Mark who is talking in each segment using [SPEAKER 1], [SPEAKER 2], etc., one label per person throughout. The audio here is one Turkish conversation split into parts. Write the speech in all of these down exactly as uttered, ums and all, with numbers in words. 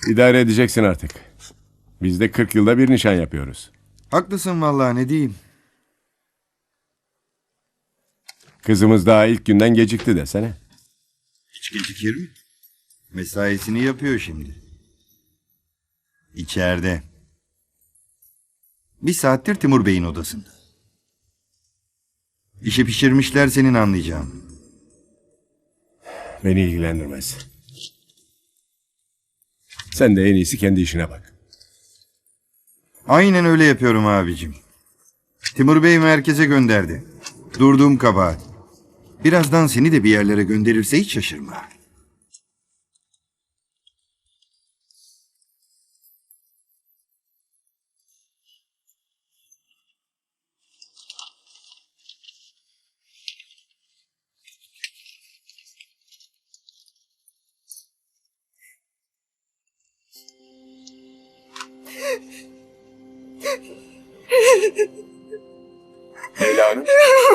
[SPEAKER 1] İdare edeceksin artık. Biz de kırk yılda bir nişan yapıyoruz.
[SPEAKER 2] Haklısın vallahi, ne diyeyim.
[SPEAKER 1] Kızımız daha ilk günden gecikti desene.
[SPEAKER 2] Hiç gecikir mi? Mesaisini yapıyor şimdi. İçeride. Bir saattir Timur Bey'in odasında. İşi pişirmişler senin anlayacağın.
[SPEAKER 1] Beni ilgilendirmez. Sen de en iyisi kendi işine bak.
[SPEAKER 2] Aynen öyle yapıyorum abicim. Timur Bey merkeze gönderdi. Durduğum kabahat. Birazdan seni de bir yerlere gönderirse hiç şaşırma.
[SPEAKER 1] Leyla Hanım.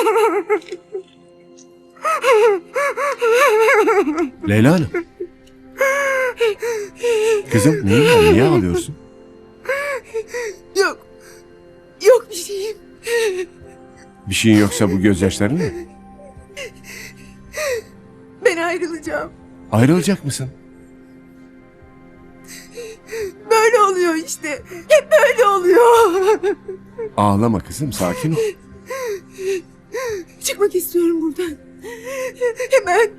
[SPEAKER 1] Leyla Hanım. Kızım neyin var? Niye ağlıyorsun?
[SPEAKER 3] Yok. Yok bir şeyim.
[SPEAKER 1] Bir şeyin yoksa bu gözyaşların ne?
[SPEAKER 3] Ben ayrılacağım.
[SPEAKER 1] Ayrılacak mısın?
[SPEAKER 3] Böyle oluyor işte. Hep böyle oluyor.
[SPEAKER 1] Ağlama kızım, sakin ol.
[SPEAKER 3] Çıkmak istiyorum buradan. Hemen.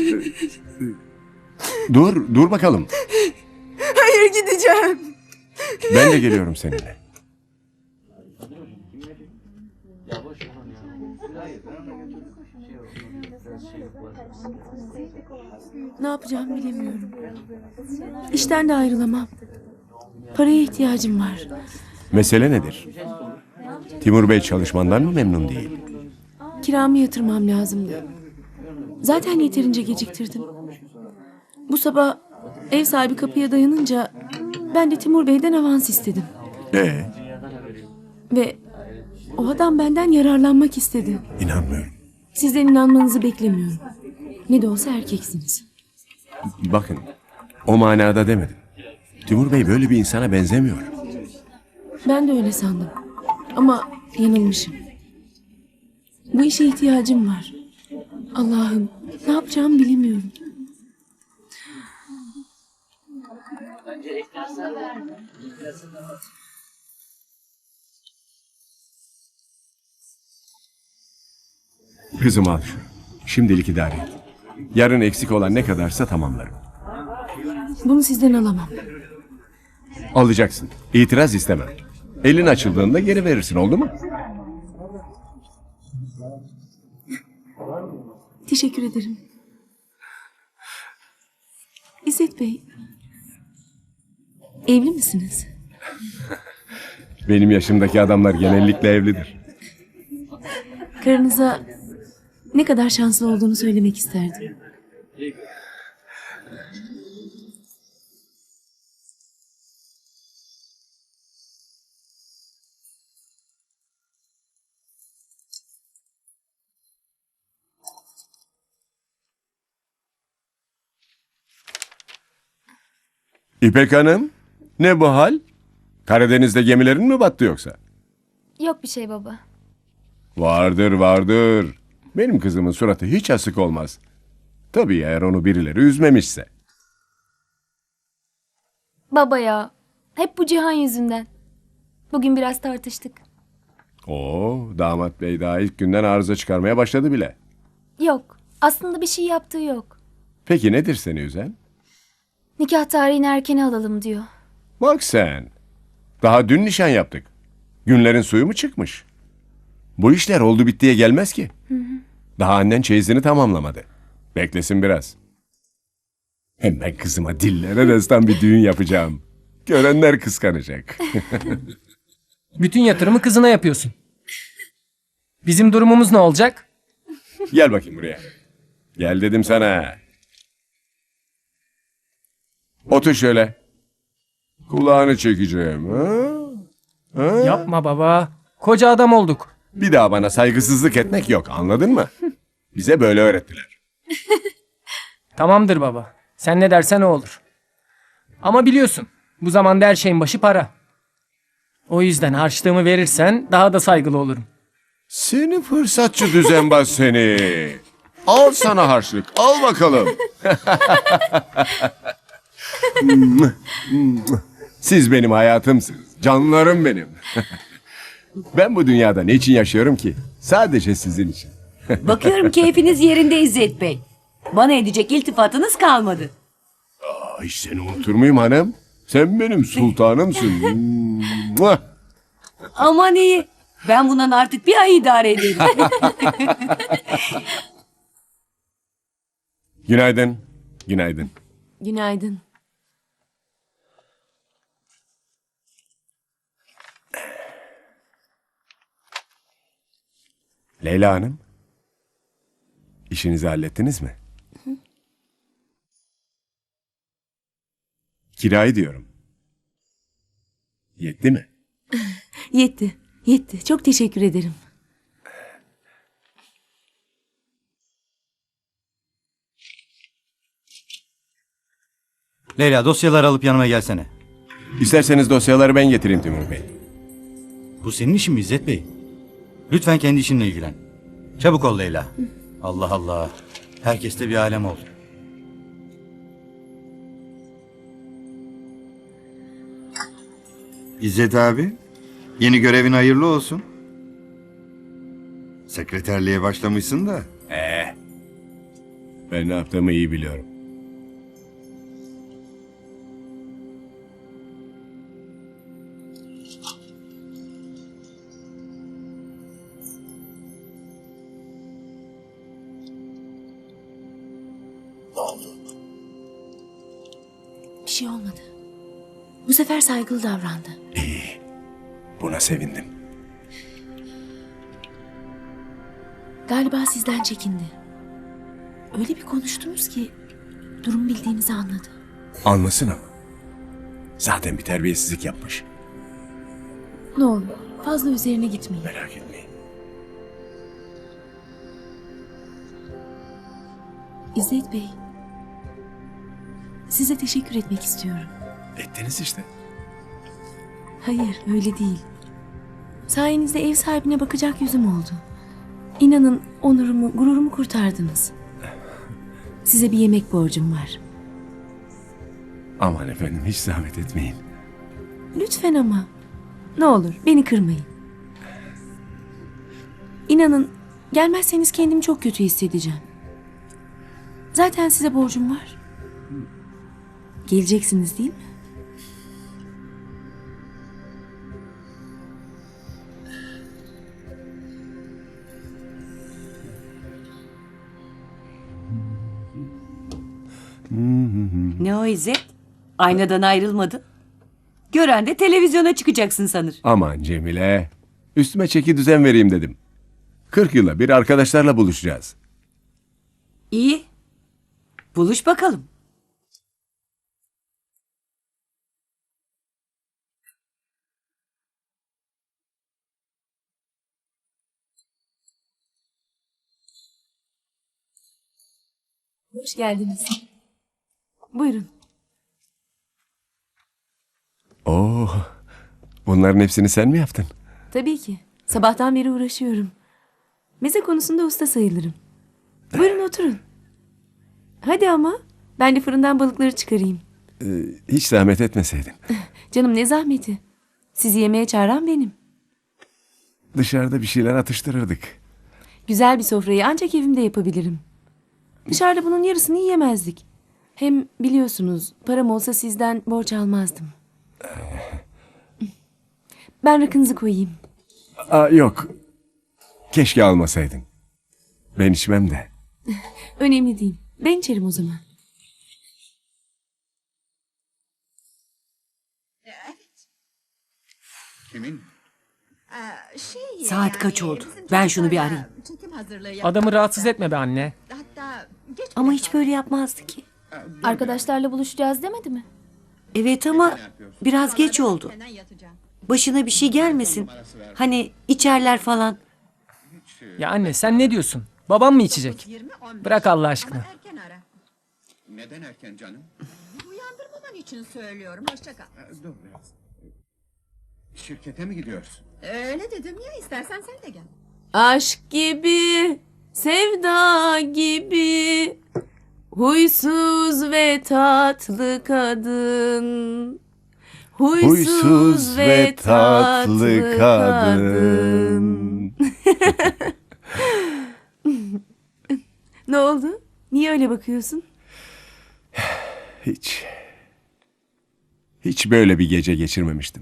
[SPEAKER 1] Dur, dur bakalım.
[SPEAKER 3] Hayır, gideceğim.
[SPEAKER 1] Ben de geliyorum seninle.
[SPEAKER 4] Ne yapacağımı bilemiyorum. İşten de ayrılamam. Paraya ihtiyacım var.
[SPEAKER 1] Mesele nedir? Timur Bey çalışmandan mı memnun değil?
[SPEAKER 4] Kiramı yatırmam lazımdı. Zaten yeterince geciktirdim. Bu sabah ev sahibi kapıya dayanınca ben de Timur Bey'den avans istedim.
[SPEAKER 1] Ee,
[SPEAKER 4] Ve o adam benden yararlanmak istedi.
[SPEAKER 1] inanmıyorum.
[SPEAKER 4] Sizden inanmanızı beklemiyorum. Ne de olsa erkeksiniz.
[SPEAKER 1] Bakın, o manada demedim. Timur Bey böyle bir insana benzemiyor.
[SPEAKER 4] Ben de öyle sandım. Ama yanılmışım. Bu işe ihtiyacım var. Allah'ım, ne yapacağımı bilemiyorum.
[SPEAKER 1] Kızım al şunu. Şimdilik idare et. Yarın eksik olan ne kadarsa tamamlarım.
[SPEAKER 4] Bunu sizden alamam.
[SPEAKER 1] Alacaksın. İtiraz istemem. Elin açıldığında geri verirsin, oldu mu?
[SPEAKER 4] Teşekkür ederim. İzzet Bey, evli misiniz?
[SPEAKER 1] Benim yaşımdaki adamlar genellikle evlidir.
[SPEAKER 4] Karınıza ne kadar şanslı olduğunu söylemek isterdim.
[SPEAKER 1] İpek Hanım, ne bu hal? Karadeniz'de gemilerin mi battı yoksa?
[SPEAKER 5] Yok bir şey baba.
[SPEAKER 1] Vardır, vardır. Benim kızımın suratı hiç asık olmaz. Tabii eğer onu birileri üzmemişse.
[SPEAKER 5] Baba ya. Hep bu Cihan yüzünden. Bugün biraz tartıştık.
[SPEAKER 1] Oo, damat bey daha ilk günden arıza çıkarmaya başladı bile.
[SPEAKER 5] Yok. Aslında bir şey yaptığı yok.
[SPEAKER 1] Peki nedir seni üzen?
[SPEAKER 5] Nikah tarihini erkene alalım diyor.
[SPEAKER 1] Bak sen. Daha dün nişan yaptık. Günlerin suyu mu çıkmış? Bu işler oldu bittiye gelmez ki. Hı hı. Daha annen çeyizini tamamlamadı. Beklesin biraz. Hem ben kızıma dillere destan bir düğün yapacağım. Görenler kıskanacak.
[SPEAKER 6] Bütün yatırımı kızına yapıyorsun. Bizim durumumuz ne olacak?
[SPEAKER 1] Gel bakayım buraya. Gel dedim sana. Otur şöyle. Kulağını çekeceğim. Ha? Ha?
[SPEAKER 6] Yapma baba. Koca adam olduk.
[SPEAKER 1] Bir daha bana saygısızlık etmek yok, anladın mı? Bize böyle öğrettiler.
[SPEAKER 6] Tamamdır baba. Sen ne dersen o olur. Ama biliyorsun bu zamanda her şeyin başı para. O yüzden harçlığımı verirsen daha da saygılı olurum.
[SPEAKER 1] Seni fırsatçı düzenbaz seni. Al sana harçlık. Al bakalım. Siz benim hayatımsınız. Canlarım benim. Ben bu dünyada ne için yaşıyorum ki? Sadece sizin için.
[SPEAKER 7] Bakıyorum keyfiniz yerinde İzzet Bey. Bana edecek iltifatınız kalmadı.
[SPEAKER 1] Ay seni unutur muyum hanım? Sen benim sultanımsın. Mua!
[SPEAKER 7] Aman iyi. Ben bundan artık bir ay idare ederim.
[SPEAKER 1] Günaydın. Günaydın.
[SPEAKER 4] Günaydın.
[SPEAKER 1] Leyla Hanım. İşinizi hallettiniz mi? Kirayı diyorum. Yetti mi?
[SPEAKER 4] Yetti. Yetti. Çok teşekkür ederim.
[SPEAKER 8] Leyla dosyaları alıp yanıma gelsene.
[SPEAKER 1] İsterseniz dosyaları ben getireyim Timur Bey.
[SPEAKER 8] Bu senin işin mi İzzet Bey? Lütfen kendi işinle ilgilen. Çabuk ol Leyla. Allah Allah. Herkes de bir alem oldu.
[SPEAKER 2] İzzet abi, yeni görevin hayırlı olsun. Sekreterliğe başlamışsın da.
[SPEAKER 1] Ben ne yaptığımı iyi biliyorum.
[SPEAKER 4] Bir şey olmadı. Bu sefer saygılı davrandı.
[SPEAKER 1] Buna sevindim.
[SPEAKER 4] Galiba sizden çekindi. Öyle bir konuştunuz ki durum bildiğinizi anladı.
[SPEAKER 1] Anlasın ama. Zaten bir terbiyesizlik yapmış.
[SPEAKER 4] Ne olur fazla üzerine gitmeyin.
[SPEAKER 1] Merak etmeyin.
[SPEAKER 4] İzzet Bey, size teşekkür etmek istiyorum.
[SPEAKER 1] Ettiniz işte.
[SPEAKER 4] Hayır, öyle değil. Sayenizde ev sahibine bakacak yüzüm oldu. İnanın onurumu, gururumu kurtardınız. Size bir yemek borcum var.
[SPEAKER 1] Aman efendim hiç zahmet etmeyin.
[SPEAKER 4] Lütfen ama. Ne olur beni kırmayın. İnanın gelmezseniz kendimi çok kötü hissedeceğim. Zaten size borcum var. Geleceksiniz değil mi?
[SPEAKER 7] Ne o İzzet? Aynadan ayrılmadın. Gören de televizyona çıkacaksın sanır.
[SPEAKER 1] Aman Cemile. Üstüme çeki düzen vereyim dedim. Kırk yıla bir arkadaşlarla buluşacağız.
[SPEAKER 7] İyi. Buluş bakalım.
[SPEAKER 4] Hoş geldiniz. Buyurun.
[SPEAKER 1] Oo, bunların hepsini sen mi yaptın?
[SPEAKER 4] Tabii ki. Sabahtan beri uğraşıyorum. Meze konusunda usta sayılırım. Buyurun oturun. Hadi ama ben de fırından balıkları çıkarayım.
[SPEAKER 1] Ee, hiç zahmet etmeseydin.
[SPEAKER 4] Canım ne zahmeti. Sizi yemeğe çağıran benim.
[SPEAKER 1] Dışarıda bir şeyler atıştırırdık.
[SPEAKER 4] Güzel bir sofrayı ancak evimde yapabilirim. Dışarıda bunun yarısını yiyemezdik. Hem biliyorsunuz param olsa sizden borç almazdım. Ben rakınızı koyayım.
[SPEAKER 1] Aa, yok. Keşke almasaydın. Ben içmem de.
[SPEAKER 4] Önemli değil. Ben içerim o zaman.
[SPEAKER 7] Saat kaç oldu? Ben şunu bir arayayım.
[SPEAKER 6] Adamı rahatsız etme be anne.
[SPEAKER 7] Ama hiç böyle yapmazdı ki.
[SPEAKER 5] Arkadaşlarla buluşacağız demedi mi?
[SPEAKER 7] Evet ama biraz geç oldu. Başına bir şey gelmesin. Hani içerler falan.
[SPEAKER 6] Ya anne sen ne diyorsun? Babam mı içecek? Bırak Allah aşkına.
[SPEAKER 9] Neden erken canım?
[SPEAKER 3] Onun için söylüyorum. Hoşça kal.
[SPEAKER 9] Dur biraz. Şirkete mi gidiyoruz?
[SPEAKER 3] Öyle dedim ya, istersen sen de gel.
[SPEAKER 4] Aşk gibi, sevda gibi, huysuz ve tatlı kadın. Huysuz,
[SPEAKER 1] Huysuz ve tatlı kadın.
[SPEAKER 4] Ne oldu? Niye öyle bakıyorsun?
[SPEAKER 1] Hiç. Hiç böyle bir gece geçirmemiştim.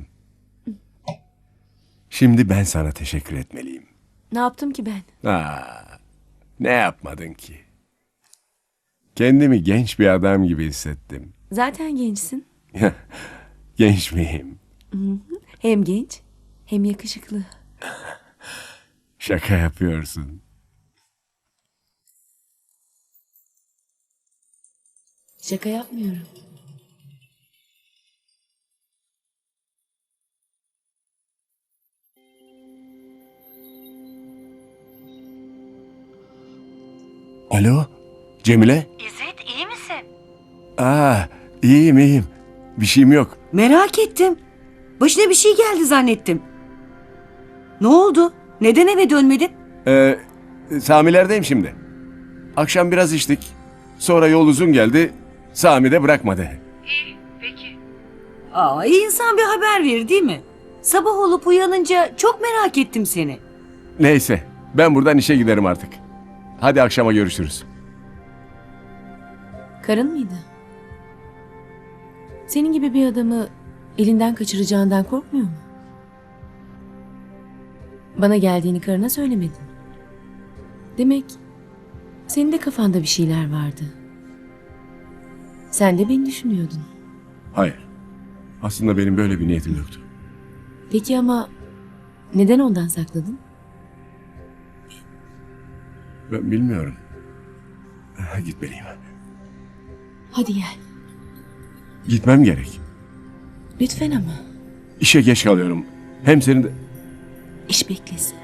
[SPEAKER 1] Şimdi ben sana teşekkür etmeliyim.
[SPEAKER 4] Ne yaptım ki ben?
[SPEAKER 1] Aa, ne yapmadın ki? Kendimi genç bir adam gibi hissettim.
[SPEAKER 4] Zaten gençsin.
[SPEAKER 1] Genç miyim?
[SPEAKER 4] Hem genç hem yakışıklı.
[SPEAKER 1] Şaka yapıyorsun.
[SPEAKER 4] Şaka yapmıyorum.
[SPEAKER 1] Alo, Cemile?
[SPEAKER 7] İzzet iyi misin?
[SPEAKER 1] Aa, iyiyim iyiyim. Bir şeyim yok.
[SPEAKER 7] Merak ettim. Başına bir şey geldi zannettim. Ne oldu? Neden eve dönmedin?
[SPEAKER 1] Ee, Sami'lerdeyim şimdi. Akşam biraz içtik. Sonra yol uzun geldi. Sami de bırakmadı.
[SPEAKER 7] Aa, iyi insan bir haber verir değil mi? Sabah olup uyanınca çok merak ettim seni.
[SPEAKER 1] Neyse, ben buradan işe giderim artık. Hadi akşama görüşürüz.
[SPEAKER 4] Karın mıydı? Senin gibi bir adamı elinden kaçıracağından korkmuyor mu? Bana geldiğini karına söylemedin. Demek senin de kafanda bir şeyler vardı. Sen de beni düşünüyordun.
[SPEAKER 1] Hayır. Aslında benim böyle bir niyetim yoktu.
[SPEAKER 4] Peki ama neden ondan sakladın?
[SPEAKER 1] Ben bilmiyorum. Gitmeliyim.
[SPEAKER 4] Hadi gel.
[SPEAKER 1] Gitmem gerek.
[SPEAKER 4] Lütfen ama.
[SPEAKER 1] İşe geç kalıyorum. Hem senin de...
[SPEAKER 4] İş beklesin.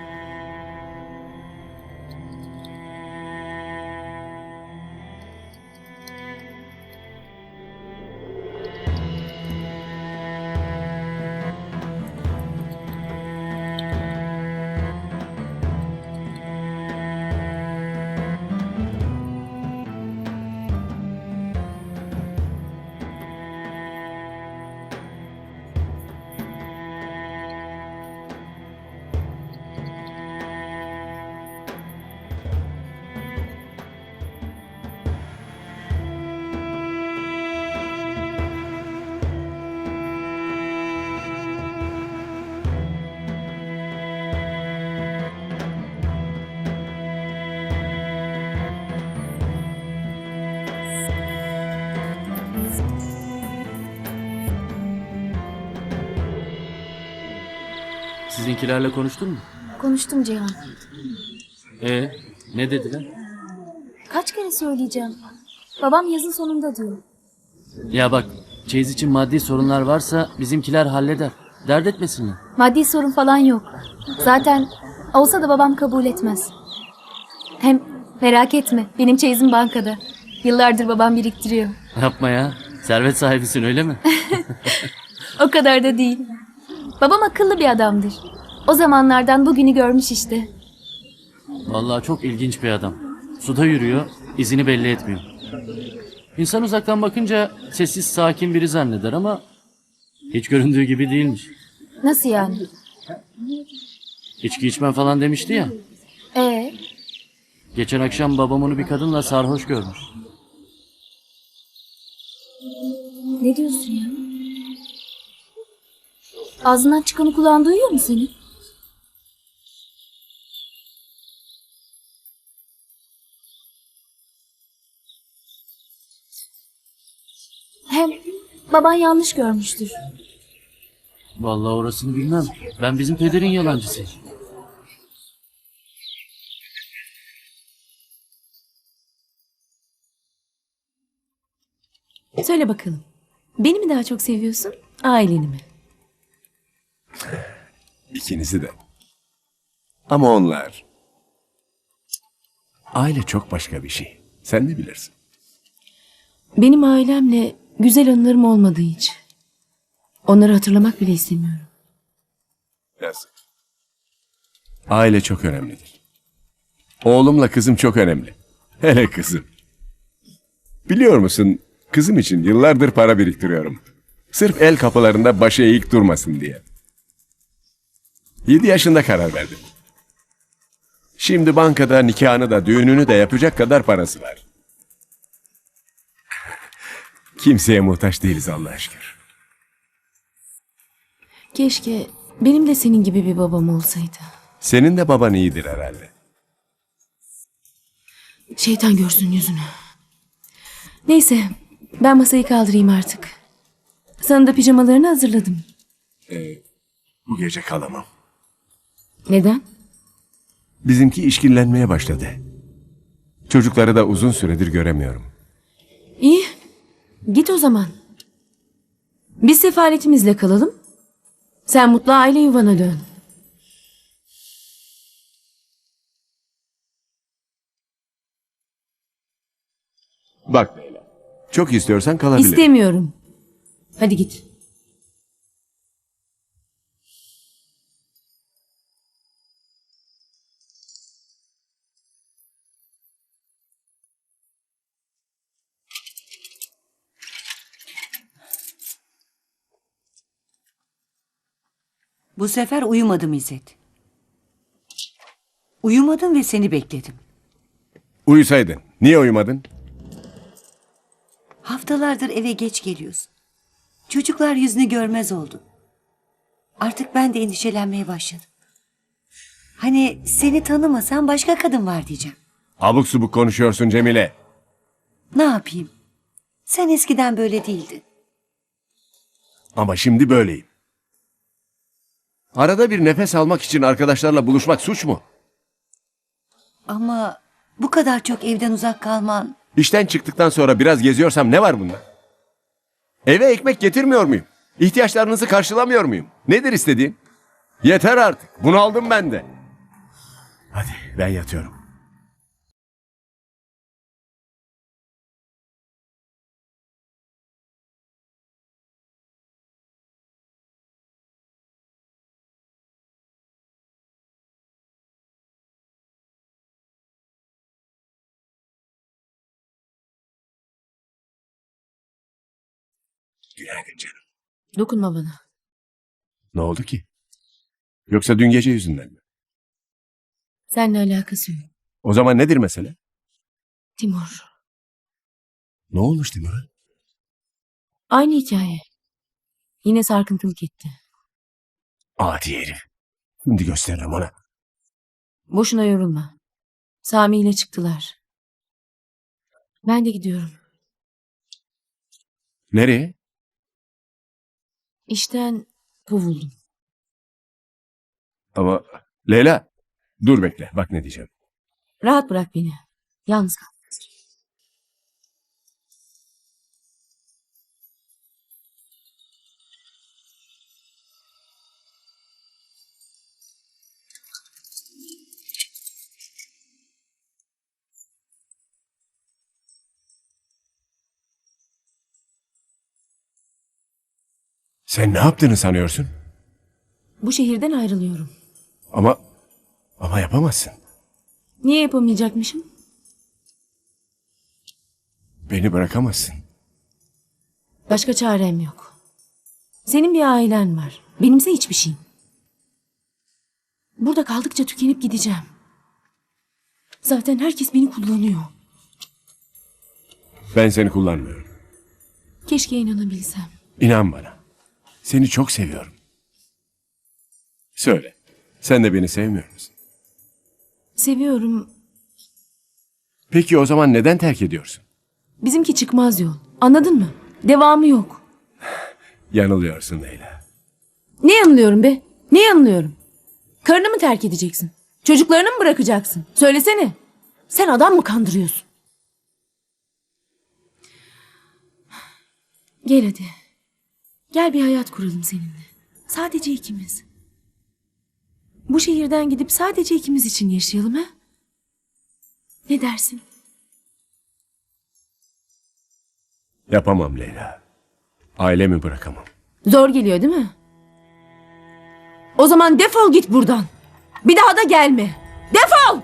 [SPEAKER 10] Sizinkilerle konuştun mu?
[SPEAKER 5] Konuştum Cihan.
[SPEAKER 10] Ee, ne dediler?
[SPEAKER 5] Kaç kere söyleyeceğim. Babam yazın sonunda diyor.
[SPEAKER 10] Ya bak, çeyiz için maddi sorunlar varsa bizimkiler halleder. Dert etmesinler.
[SPEAKER 5] Maddi sorun falan yok. Zaten olsa da babam kabul etmez. Hem merak etme, benim çeyizim bankada. Yıllardır babam biriktiriyor.
[SPEAKER 10] Yapma ya. Servet sahibisin öyle mi?
[SPEAKER 5] O kadar da değil. Babam akıllı bir adamdır. O zamanlardan bugünü görmüş işte.
[SPEAKER 10] Vallahi çok ilginç bir adam. Suda yürüyor, izini belli etmiyor. İnsan uzaktan bakınca sessiz sakin biri zanneder ama hiç göründüğü gibi değilmiş.
[SPEAKER 5] Nasıl yani?
[SPEAKER 10] İçki içmem falan demişti ya.
[SPEAKER 5] Ee,
[SPEAKER 10] Geçen akşam babam onu bir kadınla sarhoş görmüş.
[SPEAKER 5] ne diyorsun ya? Ağzından çıkanı kulağın duyuyor mu senin? Hem baban yanlış görmüştür.
[SPEAKER 10] Vallahi orasını bilmem. Ben bizim pederin yalancısıyım.
[SPEAKER 4] Söyle bakalım. Beni mi daha çok seviyorsun, aileni mi?
[SPEAKER 1] İkinizi de. Ama onlar... Aile çok başka bir şey. Sen de bilirsin.
[SPEAKER 4] Benim ailemle güzel anılarım olmadı hiç. Onları hatırlamak bile istemiyorum.
[SPEAKER 1] Yazık. Aile çok önemlidir. Oğlumla kızım çok önemli. Hele kızım. Biliyor musun, kızım için yıllardır para biriktiriyorum. Sırf el kapılarında başı eğik durmasın diye. Yedi yaşında karar verdim. Şimdi bankada nikahını da düğününü de yapacak kadar parası var. Kimseye muhtaç değiliz Allah'a şükür.
[SPEAKER 4] Keşke benim de senin gibi bir babam olsaydı.
[SPEAKER 1] Senin de baban iyidir herhalde.
[SPEAKER 4] Şeytan görsün yüzünü. Neyse, ben masayı kaldırayım artık. Sana da pijamalarını hazırladım.
[SPEAKER 1] Bu gece kalamam.
[SPEAKER 4] Neden?
[SPEAKER 1] Bizimki işkillenmeye başladı. Çocukları da uzun süredir göremiyorum.
[SPEAKER 4] İyi, git o zaman. Biz sefaletimizle kalalım. Sen mutlu aile yuvana dön.
[SPEAKER 1] Bak Leyla, çok istiyorsan kalabilirim.
[SPEAKER 4] İstemiyorum. Hadi git.
[SPEAKER 7] Bu sefer uyumadım İzzet. Uyumadım ve seni bekledim.
[SPEAKER 1] Uyusaydın. Niye uyumadın?
[SPEAKER 7] Haftalardır eve geç geliyorsun. Çocuklar yüzünü görmez oldu. Artık ben de endişelenmeye başladım. Hani seni tanımasam başka kadın var diyeceğim.
[SPEAKER 1] Abuk subuk konuşuyorsun Cemile.
[SPEAKER 7] Ne yapayım? Sen eskiden böyle değildin.
[SPEAKER 1] Ama şimdi böyleyim. Arada bir nefes almak için arkadaşlarla buluşmak suç mu?
[SPEAKER 7] Ama bu kadar çok evden uzak kalman...
[SPEAKER 1] İşten çıktıktan sonra biraz geziyorsam ne var bunda? Eve ekmek getirmiyor muyum? İhtiyaçlarınızı karşılamıyor muyum? Nedir istediğin? Yeter artık. Bunaldım ben de. Hadi ben yatıyorum. Günaydın canım.
[SPEAKER 4] Dokunma bana.
[SPEAKER 1] Ne oldu ki? Yoksa dün gece yüzünden mi?
[SPEAKER 4] Seninle alakası yok.
[SPEAKER 1] O zaman nedir mesele?
[SPEAKER 4] Timur.
[SPEAKER 1] Ne olmuş Timur'a?
[SPEAKER 4] Aynı hikaye. Yine sarkıntılık etti.
[SPEAKER 1] Adi herif. Şimdi gösteririm ona.
[SPEAKER 4] Boşuna yorulma. Sami ile çıktılar. Ben de gidiyorum.
[SPEAKER 1] Nereye?
[SPEAKER 4] İşten kovuldum.
[SPEAKER 1] Ama Leyla, dur bekle. Bak ne diyeceğim.
[SPEAKER 4] Rahat bırak beni. Yalnız kal.
[SPEAKER 1] Sen ne yaptığını sanıyorsun?
[SPEAKER 4] Bu şehirden ayrılıyorum.
[SPEAKER 1] Ama ama yapamazsın.
[SPEAKER 4] Niye yapamayacakmışım?
[SPEAKER 1] Beni bırakamazsın.
[SPEAKER 4] Başka çarem yok. Senin bir ailen var. Benimse hiçbir şeyim. Burada kaldıkça tükenip gideceğim. Zaten herkes beni kullanıyor.
[SPEAKER 1] Ben seni kullanmıyorum.
[SPEAKER 4] Keşke inanabilsem.
[SPEAKER 1] İnan bana. Seni çok seviyorum. Söyle. Sen de beni sevmiyor musun?
[SPEAKER 4] Seviyorum.
[SPEAKER 1] Peki o zaman neden terk ediyorsun?
[SPEAKER 4] Bizimki çıkmaz yol. Anladın mı? Devamı yok.
[SPEAKER 1] Yanılıyorsun Leyla.
[SPEAKER 4] Ne yanılıyorum be? Ne yanılıyorum? Karını mı terk edeceksin? Çocuklarını mı bırakacaksın? Söylesene. Sen adam mı kandırıyorsun? Gel hadi. Gel bir hayat kuralım seninle. Sadece ikimiz. Bu şehirden gidip sadece ikimiz için yaşayalım ha? Ne dersin?
[SPEAKER 1] Yapamam Leyla. Ailemi bırakamam.
[SPEAKER 4] Zor geliyor değil mi? O zaman defol git buradan. Bir daha da gelme. Defol!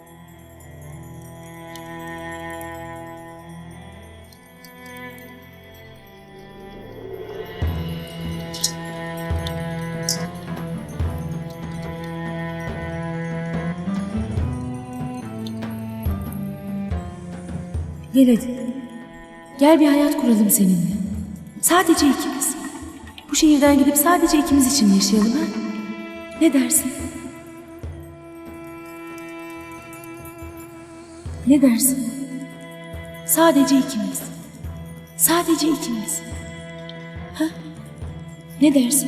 [SPEAKER 4] Gel hadi. Gel bir hayat kuralım seninle. Sadece ikimiz. Bu şehirden gidip sadece ikimiz için yaşayalım ha? Ne dersin? Ne dersin? Sadece ikimiz. Sadece ikimiz. Ha? Ne dersin?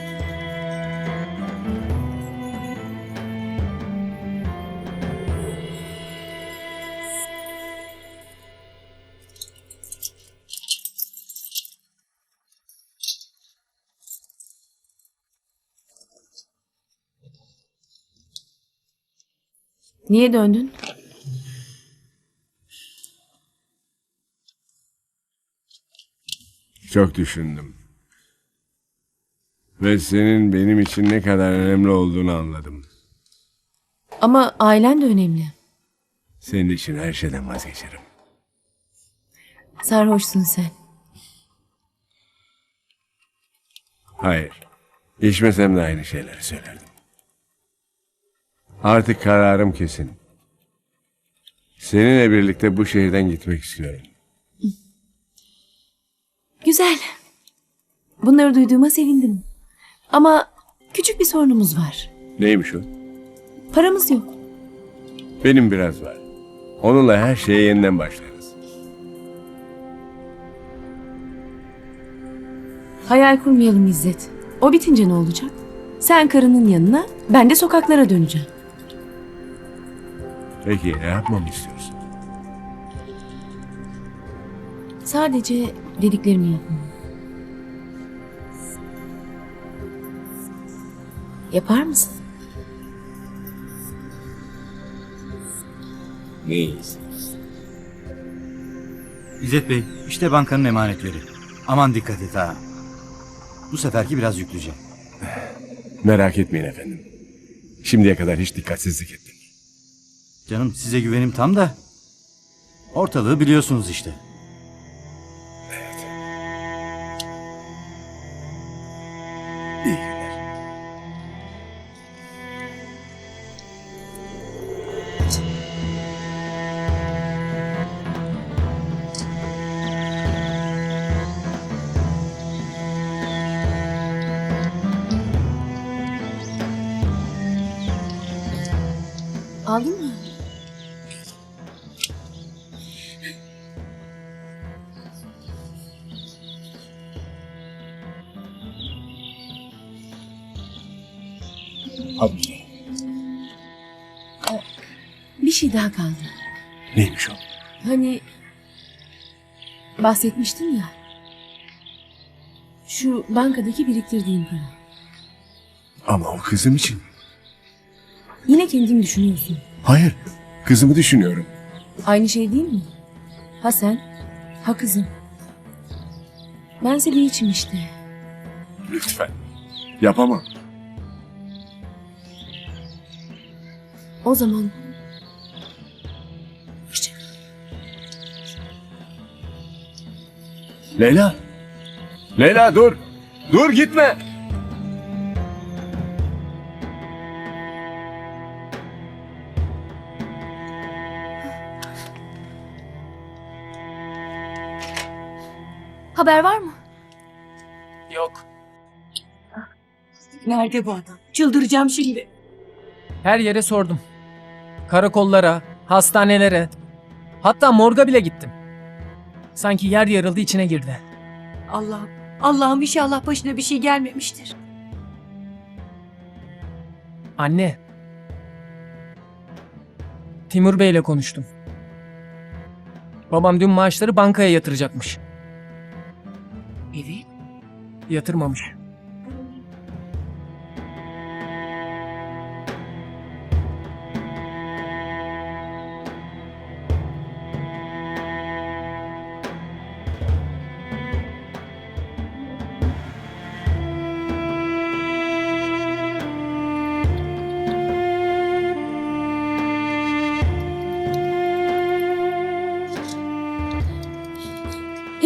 [SPEAKER 4] Niye döndün?
[SPEAKER 1] Çok düşündüm. Ve senin benim için ne kadar önemli olduğunu anladım.
[SPEAKER 4] Ama ailen de önemli.
[SPEAKER 1] Senin için her şeyden vazgeçerim.
[SPEAKER 4] Sarhoşsun sen.
[SPEAKER 1] Hayır. İçmesem de aynı şeyleri söylerdim. Artık kararım kesin. Seninle birlikte bu şehirden gitmek istiyorum.
[SPEAKER 4] Güzel. Bunları duyduğuma sevindim. Ama küçük bir sorunumuz var.
[SPEAKER 1] Neymiş o?
[SPEAKER 4] Paramız yok.
[SPEAKER 1] Benim biraz var. Onunla her şeye yeniden başlarız.
[SPEAKER 4] Hayal kurmayalım İzzet. O bitince ne olacak? Sen karının yanına, ben de sokaklara döneceğim.
[SPEAKER 1] Peki ne yapmamı istiyorsun?
[SPEAKER 4] Sadece dediklerimi yapmam. Yapar mısın?
[SPEAKER 1] Neyiz?
[SPEAKER 8] İzzet Bey, işte bankanın emanetleri. Aman dikkat et ha. Bu seferki biraz yüklüce.
[SPEAKER 1] Merak etmeyin efendim. Şimdiye kadar hiç dikkatsizlik ettim.
[SPEAKER 8] Canım size güvenim tam da. Ortalığı biliyorsunuz işte.
[SPEAKER 1] İyi günler.
[SPEAKER 4] Aldın mı?
[SPEAKER 1] Hadi.
[SPEAKER 4] Bir şey daha kaldı.
[SPEAKER 1] Neymiş o?
[SPEAKER 4] Hani bahsetmiştin ya. Şu bankadaki biriktirdiğin para.
[SPEAKER 1] Ama o kızım için.
[SPEAKER 4] Yine kendin düşünüyorsun.
[SPEAKER 1] Hayır. Kızımı düşünüyorum.
[SPEAKER 4] Aynı şey değil mi? Ha sen, ha kızım. Bense bir içim işte.
[SPEAKER 1] Lütfen. Yapamam.
[SPEAKER 4] O zaman... Hoşça kal.
[SPEAKER 1] Leyla. Leyla dur. Dur gitme.
[SPEAKER 5] Haber var mı?
[SPEAKER 6] Yok.
[SPEAKER 3] Nerede bu adam? Çıldıracağım şimdi.
[SPEAKER 6] Her yere sordum. Karakollara, hastanelere, hatta morga bile gittim. Sanki yer yarıldı içine girdi.
[SPEAKER 3] Allah'ım, Allah'ım inşallah başına bir şey gelmemiştir.
[SPEAKER 6] Anne. Timur Bey'le konuştum. Babam dün maaşları bankaya yatıracakmış.
[SPEAKER 3] Evet.
[SPEAKER 6] Yatırmamış.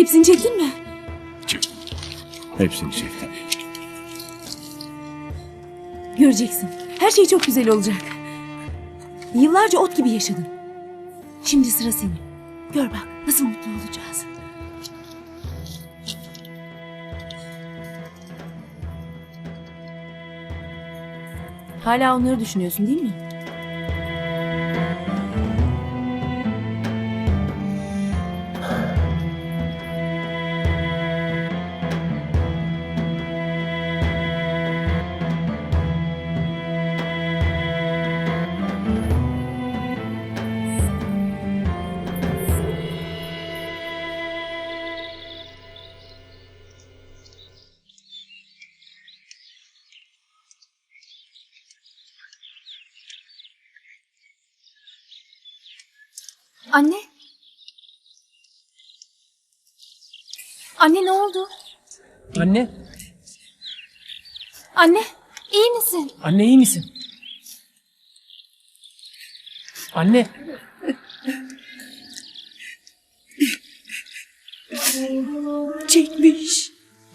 [SPEAKER 4] Hepsini çektin mi?
[SPEAKER 1] Hepsini çektim.
[SPEAKER 4] Göreceksin. Her şey çok güzel olacak. Yıllarca ot gibi yaşadın. Şimdi sıra senin. Gör bak nasıl mutlu olacağız. Hala onları düşünüyorsun değil mi?
[SPEAKER 5] Anne? Anne ne oldu?
[SPEAKER 6] Anne,
[SPEAKER 5] Anne, iyi misin?
[SPEAKER 6] anne iyi misin? Anne,
[SPEAKER 7] Çekmiş.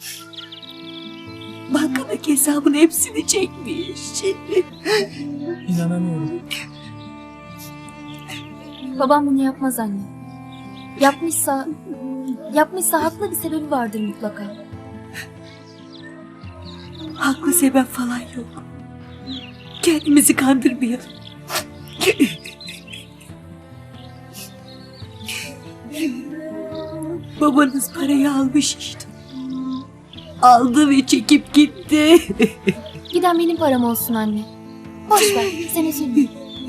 [SPEAKER 7] Bankadaki hesabın hepsini çekmiş.
[SPEAKER 6] inanamıyorum.
[SPEAKER 5] Babam bunu yapmaz anne. Yapmışsa, yapmışsa haklı bir sebebi vardır mutlaka.
[SPEAKER 7] Haklı sebep falan yok. Kendimizi kandırmayalım. Babanız parayı almış işte. Aldı ve çekip gitti.
[SPEAKER 5] Giden benim param olsun anne. Boş ver, sen üzülme.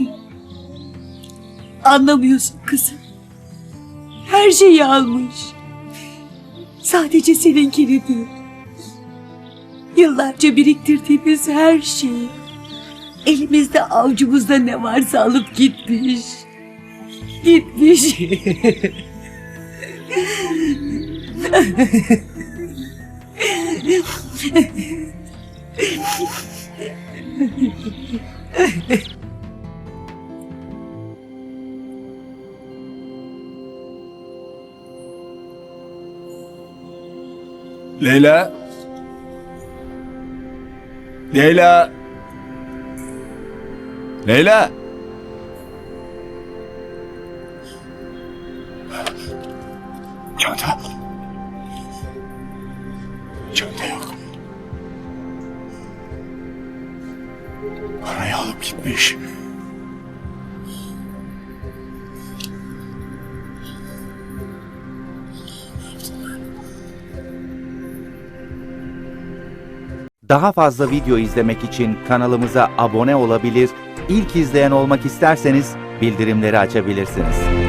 [SPEAKER 7] Anlamıyorsun kızım. Her şeyi almış. Sadece seninkini değil. Yıllarca biriktirdiğimiz her şeyi. Elimizde avucumuzda ne varsa alıp gitmiş. Gitmiş.
[SPEAKER 1] Leyla. Leyla. Leyla. Çanta. Çanta yok. Parayı alıp gitmiş.
[SPEAKER 11] Daha fazla video izlemek için kanalımıza abone olabilir, ilk izleyen olmak isterseniz bildirimleri açabilirsiniz.